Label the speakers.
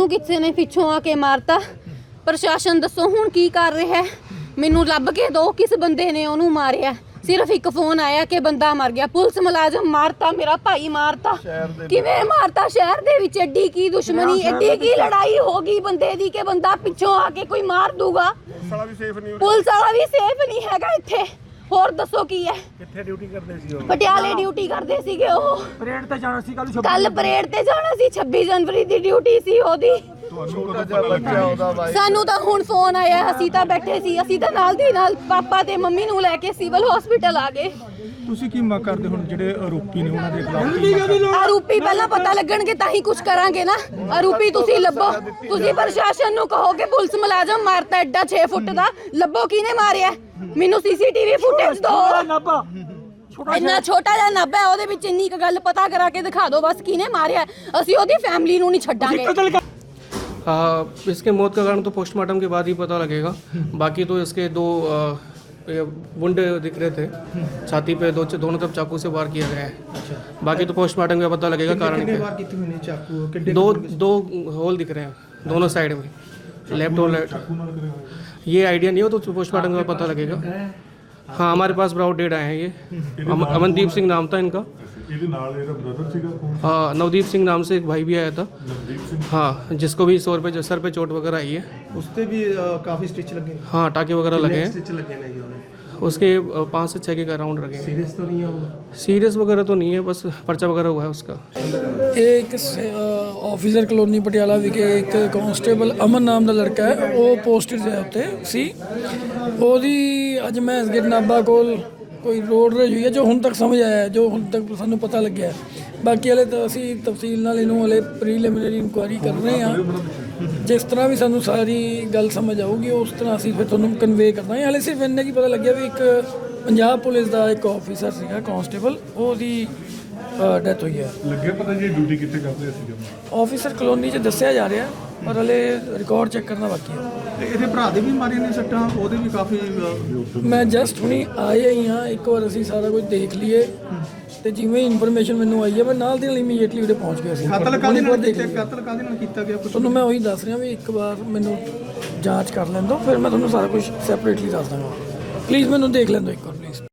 Speaker 1: ਉਹਨੂੰ ਕਿਸੇ ਨੇ ਪਿੱਛੋਂ ਆ ਕੇ ਮਾਰਤਾ। ਪ੍ਰਸ਼ਾਸਨ ਦੱਸੋ ਹੁਣ ਕੀ ਕਰ ਰਿਹਾ? ਮੈਨੂੰ ਲੱਭ ਕੇ ਦੋ ਕਿਸ ਬੰਦੇ ਨੇ ਉਹਨੂੰ ਮਾਰਿਆ। ਸਿਰਫ ਇੱਕ ਫੋਨ ਆਇਆ ਕਿ ਬੰਦਾ ਮਰ ਗਿਆ। ਪੁਲਿਸ ਮੁਲਾਜ਼ਮ ਮਾਰਤਾ, ਮੇਰਾ ਭਾਈ ਮਾਰਤਾ। ਕਿਵੇਂ ਮਾਰਤਾ? ਸ਼ਹਿਰ ਦੇ ਵਿੱਚ ਐਡੀ ਕੀ ਦੁਸ਼ਮਣੀ, ਐਡੀ ਕੀ ਲੜਾਈ ਹੋ ਗਈ ਬੰਦੇ ਦੀ ਕਿ ਬੰਦਾ ਪਿੱਛੋਂ ਆ ਕੇ ਕੋਈ ਮਾਰ ਦੂਗਾ। ਪੁਲਿਸ ਵਾਲਾ ਵੀ ਸੇਫ ਨਹੀਂ ਹੈਗਾ ਇੱਥੇ। ਹੋਰ ਦੱਸੋ ਕੀ ਹੈ?
Speaker 2: ਕਿੱਥੇ ਡਿਊਟੀ ਕਰਦੇ ਸੀ ਉਹ?
Speaker 1: ਪਟਿਆਲੇ ਡਿਊਟੀ ਕਰਦੇ ਸੀਗੇ ਉਹ।
Speaker 2: ਪਰੇਡ ਤੇ ਜਾਣਾ ਸੀ
Speaker 1: ਕੱਲ ਪਰੇਡ ਤੇ ਜਾਣਾ ਸੀ। 26 ਜਨਵਰੀ ਦੀ ਡਿਊਟੀ ਸੀ ਉਹਦੀ। ਸਾਨੂੰ ਤਾਂ ਹੁਣ ਫੋਨ ਆਇਆ, ਅਸੀਂ ਤਾਂ ਬੈਠੇ ਸੀ, ਅਸੀਂ ਤਾਂ ਨਾਲ ਦੀ ਨਾਲ ਪਾਪਾ ਤੇ ਮੰਮੀ ਨੂੰ ਲੈ ਕੇ ਸਿਵਲ ਹਸਪੀਟਲ ਆ ਗਏ।
Speaker 2: ਤੁਸੀਂ ਕੀ ਮੰਗ ਕਰਦੇ ਹੁਣ ਜਿਹੜੇ ਆਰੋਪੀ ਨੇ ਉਹਨਾਂ ਦੇ ਖਿਲਾਫ?
Speaker 1: ਆਰੋਪੀ ਪਹਿਲਾਂ ਪਤਾ ਲੱਗਣਗੇ ਤਾਂ ਹੀ ਕੁਝ ਕਰਾਂਗੇ ਨਾ। ਆਰੋਪੀ ਤੁਸੀਂ ਲੱਭੋ। ਤੁਸੀਂ ਪ੍ਰਸ਼ਾਸਨ ਨੂੰ ਕਹੋ ਕਿ ਪੁਲਿਸ ਮੁਲਾਜ਼ਮ ਮਾਰਤਾ ਐਡਾ 6 ਫੁੱਟ ਦਾ, ਲੱਭੋ ਕਿਹਨੇ ਮਾਰਿਆ। ਮੈਨੂੰ ਸੀਸੀਟੀਵੀ ਫੁਟੇਜ ਦਿਓ। ਇੰਨਾ ਛੋਟਾ ਜਿਹਾ ਨੱਬਾ ਹੈ, ਉਹਦੇ ਵਿੱਚ ਇੰਨੀ ਕੁ ਗੱਲ ਪਤਾ ਕਰਾ ਕੇ ਦਿਖਾ ਦਿਓ ਬਸ ਕਿਹਨੇ ਮਾਰਿਆ। ਅਸੀਂ ਉਹਦੀ ਫੈਮਿਲੀ ਨੂੰ ਨਹੀਂ ਛੱਡਾਂਗੇ।
Speaker 3: इसके मौत का कारण तो पोस्टमार्टम के बाद ही पता लगेगा। बाकी तो इसके दो वुंड दिख रहे थे छाती पे, दोनों तरफ चाकू से वार किया गया है। बाकी तो पोस्टमार्टम का पता लगेगा कारण क्या। दो होल दिख रहे हैं दोनों साइड में, लेफ्ट और राइट। ये आइडिया नहीं हो तो पोस्टमार्टम का पता लगेगा। हाँ, हमारे पास ब्राउड डेड आए हैं। ये अमनदीप सिंह नाम था इनका। हाँ, नवदीप सिंह नाम से एक भाई भी आया था। हाँ, जिसको भी सर पे चोट वगैरह आई है।
Speaker 2: उस पे भी काफी स्टिच लगे।
Speaker 3: हाँ, टाके वगैरह लगे हैं।
Speaker 2: स्टिच लगे नहीं उन्हें।
Speaker 3: उसके 5 से 6 के राउंड लगे हैं।
Speaker 2: सीरियस तो नहीं है वो?
Speaker 3: सीरियस वगैरह तो नहीं है, बस पर्चा वगैरह हुआ है उसका।
Speaker 4: ਇਹ ਇੱਕ ਆਫੀਸਰ ਕਲੋਨੀ ਪਟਿਆਲਾ ਵਿਖੇ ਇੱਕ ਕਾਂਸਟੇਬਲ ਅਮਨ ਨਾਮ ਦਾ ਲੜਕਾ ਹੈ, ਉਹ ਪੋਸਟਡ ਹੈ ਉੱਤੇ ਸੀ। ਉਹਦੀ ਅੱਜ ਮੈਂ ਗਿਰ ਨਾਭਾ ਕੋਲ ਕੋਈ ਰੋਡ ਰੇਜ ਹੋਈ ਹੈ, ਜੋ ਹੁਣ ਤੱਕ ਸਮਝ ਆਇਆ, ਜੋ ਹੁਣ ਤੱਕ ਸਾਨੂੰ ਪਤਾ ਲੱਗਿਆ। ਬਾਕੀ ਹਲੇ ਤਾਂ ਅਸੀਂ ਤਫਸੀਲ ਨਾਲ ਇਹਨੂੰ ਹਲੇ ਪ੍ਰੀਲਿਮਿਨਰੀ ਇਨਕੁਆਇਰੀ ਕਰ ਰਹੇ ਹਾਂ। ਜਿਸ ਤਰ੍ਹਾਂ ਵੀ ਸਾਨੂੰ ਸਾਰੀ ਗੱਲ ਸਮਝ ਆਊਗੀ ਉਸ ਤਰ੍ਹਾਂ ਅਸੀਂ ਫਿਰ ਤੁਹਾਨੂੰ ਕਨਵੇ ਕਰਦਾਂਗੇ। ਹਾਲੇ ਸਿਰਫ ਇੰਨਾ ਕੀ ਪਤਾ ਲੱਗਿਆ ਵੀ ਇੱਕ ਪੰਜਾਬ ਪੁਲਿਸ ਦਾ ਇੱਕ ਆਫੀਸਰ ਸੀਗਾ ਕਾਂਸਟੇਬਲ, ਉਹਦੀ ਡੈਥ ਹੋਈ ਹੈ।
Speaker 5: ਲੱਗਿਆ ਪਤਾ ਜੀ ਡਿਊਟੀ ਕਿੱਥੇ ਕਰਦੇ ਸੀ?
Speaker 4: ਆਫੀਸਰ ਕਲੋਨੀ 'ਚ ਦੱਸਿਆ ਜਾ ਰਿਹਾ, ਪਰ ਹਲੇ ਰਿਕਾਰਡ ਚੈੱਕ ਕਰਨਾ ਬਾਕੀ ਹੈ।
Speaker 2: ਤੇ ਇਹਦੇ ਭਰਾ ਦੇ ਵੀ ਮਾਰੇ ਨੇ ਸੱਟਾਂ, ਉਹਦੇ ਵੀ ਕਾਫੀ
Speaker 4: ਮੈਂ ਜਸਟ ਹੁਣੀ ਆਏ ਹੀ ਹਾਂ, ਇੱਕ ਵਾਰ ਅਸੀਂ ਸਾਰਾ ਕੁਝ ਦੇਖ ਲਈਏ ਤੇ ਜਿਵੇਂ ਇਨਫੋਰਮੇਸ਼ਨ ਮੈਨੂੰ ਆਈ ਹੈ ਮੈਂ ਨਾਲ ਦੀ ਨਾਲ ਇਮੀਡੀਏਟਲੀ ਉਹਦੇ ਪਹੁੰਚ ਗਿਆ ਸੀ।
Speaker 2: ਕਤਲ ਕਾਹਦੇ ਨਾਲ ਕੀਤਾ ਗਿਆ ਕੁਝ?
Speaker 4: ਤੁਹਾਨੂੰ ਮੈਂ ਉਹੀ ਦੱਸ ਰਿਹਾ ਵੀ ਇੱਕ ਵਾਰ ਮੈਨੂੰ ਜਾਂਚ ਕਰ ਲੈਣ ਦਿਓ, ਫਿਰ ਮੈਂ ਤੁਹਾਨੂੰ ਸਾਰਾ ਕੁਝ ਸੈਪਰੇਟਲੀ ਦੱਸ ਦਾਂਗਾ। ਪਲੀਜ਼ ਮੈਨੂੰ ਦੇਖ ਲੈਣ ਦਿਓ ਇੱਕ ਵਾਰ ਪਲੀਜ਼।